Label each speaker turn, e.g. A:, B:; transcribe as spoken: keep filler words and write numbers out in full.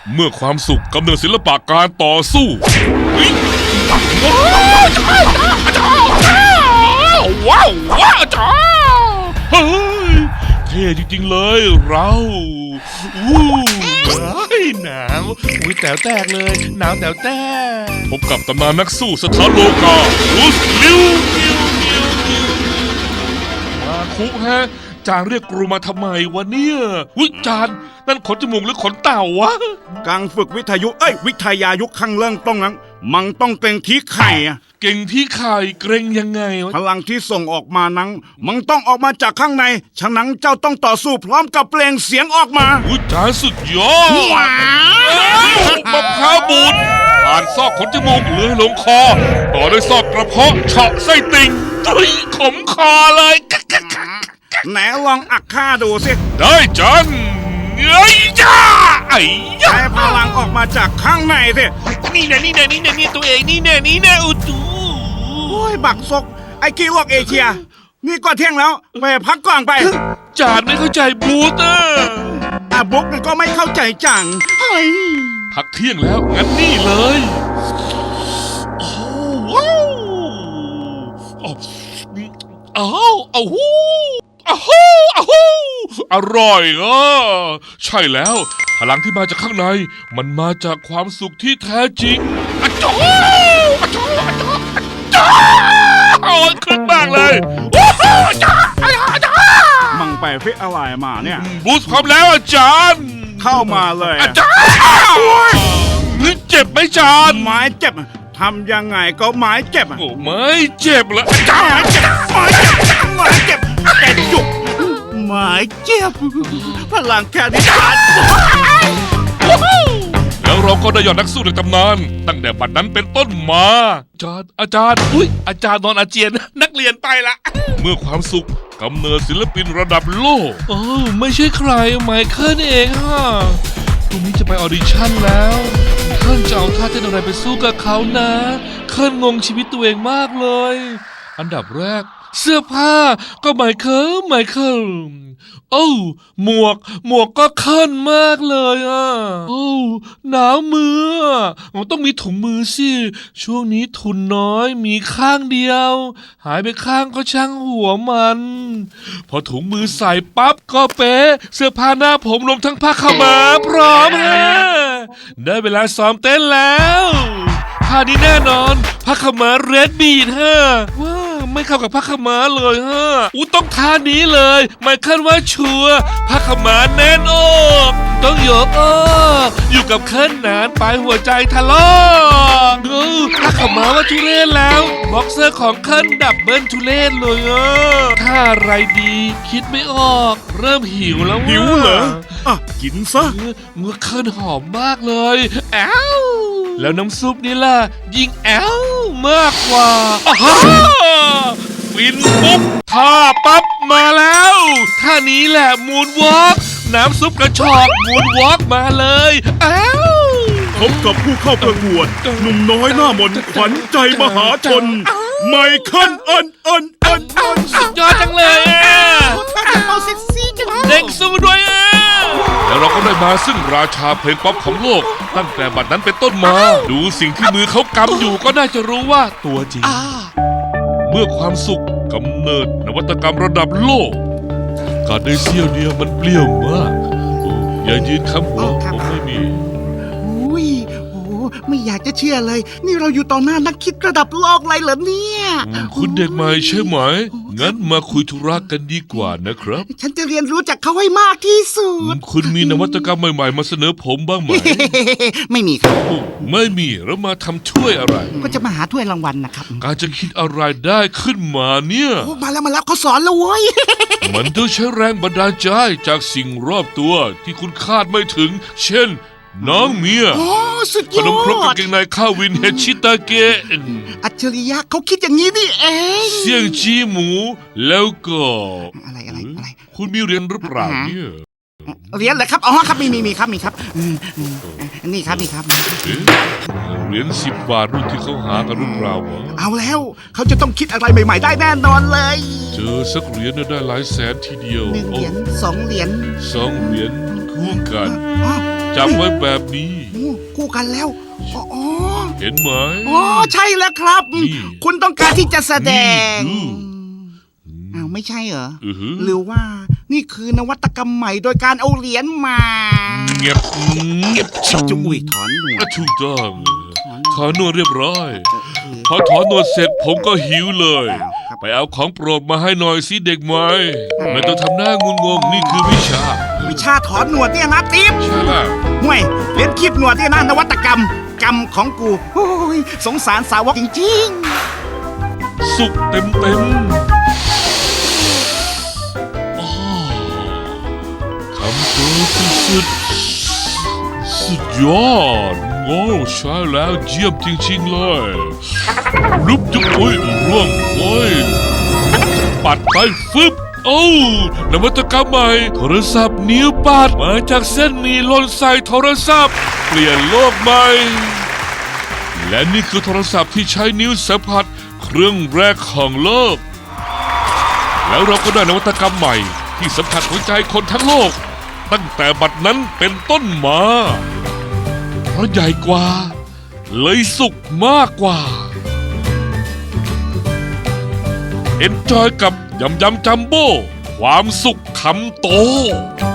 A: เมื่อความสุขกำเนิดศิลปะการต่อสู้ว้าวว้าวจ้าเฮ้ยเท่จริงๆเลยเราอู้หนาวอุ้ยแต๋วแตกเลยหนาวแต๋วแตกพบกับตำนานนักสู้สถานโลกาลูสลิวมาคุฮะจางเรียกกรูมาทำไมวะเนี่ยวิจารณ์นั่นขนจมูกหรือขนเต่าวะ
B: การฝึกวิทยุเอ้ยวิทยายุคข้างเรื่องต้องนั้นมันต้องเกรงที่ไข่อะ
A: เก่งที่ไข่เกรงยังไงวะ
B: พลังที่ส่งออกมานั้นมันต้องออกมาจากข้างในฉะนั้นเจ้าต้องต่อสู้พร้อมกับเปล่งเสียงออกมา
A: วิจารณ์สุดยอดมะพร้าวบูดผ่านซอกขนจมูกเลื้อยลงคอต่อด้วยซอกกระเพาะเฉาะไส้ติ่งตุ้ยขมคอเลย
B: ไหนลองอักข้าดูสิ
A: ได้จันเอ้ยจ้าไอ้
B: ใช้พลังออกมาจากข้างในสิ
A: นี่แน่นี่แน่นี่แน่นี่ตัวเองนี่แน่นี่แน่อุจู
B: โอ้ยบักซกไอ้ขี้ลวกเอเชียนี่ก็เที่ยงแล้วไปพักก่อนไป
A: จานไม่เข้าใจบูตอ่ะ
B: อาบุ๊กก็ไม่เข้าใจจังเฮ้ย
A: พักเที่ยงแล้วงั้นนี่เลยโอ้ว้าวอ้าวอ้าวอ้าวอ้าวอร่อยอ่ะใช่แล้วพลังที่มาจากข้างในมันมาจากความสุขที่แท้จริงอะจ๊ออะจ๊ออะจ๊ออะจ๊อโอ้ยขึ้นมากเลยว้าวจ๊อจ๊อ
B: มังไปฟิอะไรมาเนี่ย
A: บูสต์พร้อมแล้วอาจารย์
B: เข้ามาเลย
A: อาจารย์นี่เจ็บไหมอาจารย์
B: ไม้เจ็บทำยังไงก็ไม้เจ็บ
A: โอ้ไม่เจ็บเหรออาจารย์
B: ไม้เจ็บไม้เจ็บแต่จุกไม้เจ็บพลังแค่นี้ขาด
A: แล้วเราก็ได้ยอดนักสู้ในตำนานตั้งแต่บัดนั้นเป็นต้นมาอาจารย์อาจารย์อุ้ยอาจารย์นอนอาเจียนนักเรียนไปละเมื่อความสุขกำเนิดศิลปินระดับโลกเออไม่ใช่ใครไมเคิลเองฮะพรุ่งนี้จะไปออดิชั่นแล้วเคิลจะเอาท่าเต้นอะไรไปสู้กับเขานะเคิลงงชีวิตตัวเองมากเลยอันดับแรกเสื้อผ้าก็ไมเคิลไมเคิลโอ้หมวกหมวกก็เคิลมากเลยอ่ะโอ้หนาวมือมันต้องมีถุงมือสิช่วงนี้ทุนน้อยมีข้างเดียวหายไปข้างก็ช่างหัวมันพอถุงมือใส่ปั๊บก็เป๊ะเสื้อผ้าหน้าผมรวมทั้งผ้าขาวม้าพร้อมฮะได้เวลาซ้อมเต้นแล้วท่านี้แน่นอนผ้าขาวม้าเรดบีทฮะว้าไม่เข้ากับผ้าขาวม้าเลยฮะอู้ต้องท่านี้เลยไม่คาดว่าชัวผ้าขาวม้าแน่นอกต้องโยกอ้ออยู่กับเคิลนานไปหัวใจทะลอกดูผ้าขาวม้าว่าทุเรศแล้วบ็อกเซอร์ของเคิลดับเบิลทุเรศเลยอ่ะท่าอะไรดีคิดไม่ออกเริ่มหิวแล้ว
B: หิวเหรออ่ะกินซะ
A: เมื่อเคิลหอมมากเลยแอ้วแล้วน้ำซุปนี่ล่ะยิ่งแอ้วมากกว่าฟินปุ๊บท่าปั๊บมาแล้วท่านี้แหละมูนวอล์กน้ำซุปกระชอกมูนวอล์กมาเลยอ้าว
B: พบกับผู้เข้าประกวดหนุ่มน้อยหน้ามนขวัญใจมหาชนไมเคิลอันอันอันอัน
A: สุดยอดจังเลยเด้งสู้ด้วยอ่ะแล้วเราก็ได้มาซึ่งราชาเพลงป๊อปของโลกตั้งแต่บัดนั้นเป็นต้นมาดูสิ่งที่มือเขากำอยู่ก็น่าจะรู้ว่าตัวจริงเมื่อความสุขกำเนิดนวัตกรรมระดับโลกการได้เสี้ยวเดียวมันเปรี้ยวมากอย่ายืนคำหัวผมไม่มี
C: อุ้ยโอ้ไม่อยากจะเชื่อเลยนี่เราอยู่ต่อหน้านักคิดระดับโลกเลยเหรอเนี่ย
A: คุณเด็กใหม่ใช่ไหมงั้นมาคุยธุระกันดีกว่านะครับ
C: ฉันจะเรียนรู้จากเขาให้มากที่สุด
A: คุณมีนวัตกรรมใหม่ๆมาเสนอผมบ้างไหม
C: ไม่มีครับ
A: ไม่มีแล้วมาทำช่วยอะไร
C: ก็จะมาหาถ้วยรางวัลนะครับ
A: การจะคิดอะไรได้ขึ้นมาเนี่ย
C: มาแล้วมาแล้วเขาสอนแล้วเว้ย
A: มันต้องใช้แรงบันดาลใจจากสิ่งรอบตัวที่คุณคาดไม่ถึงเช่นน้องเมียขนมครกกางเกงในข้าววินเฮชิตาเกะ
C: อัจฉริยะเขาคิดอย่างนี้นี่เอง
A: เสี่ยงจีหมูแล้วก็
C: อะไรอะไรอะไร
A: คุณมีเรียนหรือเปล่าเนี่ย
C: เรียนเหรอครับอ๋อครับมีมีมีครับมีครับนี่ครับนี่ครับ
A: เหรียญสิบบาทรุ่นที่เขาหากันรุ่นเรา
C: เอาแล้วเขาจะต้องคิดอะไรใหม่ๆได้แน่นอนเลย
A: เจอสักเหรียญได้หลายแสนทีเดียว
C: หนึ่งเหรียญสองเหรียญ
A: สองเหรียญคู่กันจับไว้แบบนี้
C: โอ้คู่กันแล้วอ๋ออ๋อ
A: เห็นไหม
C: อ๋อใช่แล้วครับ
A: นี่
C: คุณต้องการที่จะแสดง
A: นี่
C: อ้าวไม่ใช่เหรอ
A: อือหือ
C: หรือว่านี่คือนวัตกรรมใหม่โดยการเอาเหรียญมา
A: เงียบเงียบ
C: จุอุ้ยถอนหนว
A: อ่ะ
C: ด
A: ถูกต้องถอนหนวดเรียบร้อย
C: เออ
A: พอถอนหนวดเสร็จผมก็หิวเลย
C: อ้าวครับ
A: ไปเอาของโปรดมาให้หน่อยสิเด็กใหม่ไม่ต้องทำหน้างุนงงนี่คือวิชา
C: วิชาถอนหนวดเนี่ยนะติ๊บ
A: ใช่แล้ว
C: ห่วยเรียนคีบหนวดเนี่ยนะนวัตกรรมกรรมของกูโอ้ยสงสารสาวกจริง
A: สุกเต็มเต็มอ้อคำเปิดสุดๆสุดยอดโง่ใช่แล้วเยี่ยมจริงๆเลยรุบจุ๊บอุ้ยร่วงโอ้ยปัดไปฟึบโอ้นวัตกรรมใหม่โทรศัพท์นิ้วปัดมาจากเส้นหมีหล่นใส่โทรศัพท์ เปลี่ยนโลกใหม่ และนี่คือโทรศัพท์ที่ใช้นิ้วสัมผัสเครื่องแรกของโลก แล้วเราก็ได้นวัตกรรมใหม่ที่สัมผัสหัวใจคนทั้งโลก ตั้งแต่บัดนั้นเป็นต้นมา เพราะใหญ่กว่า เลยสุขมากกว่า เอ็นจอยกับยำยำจัมโบ้ความสุขคำโต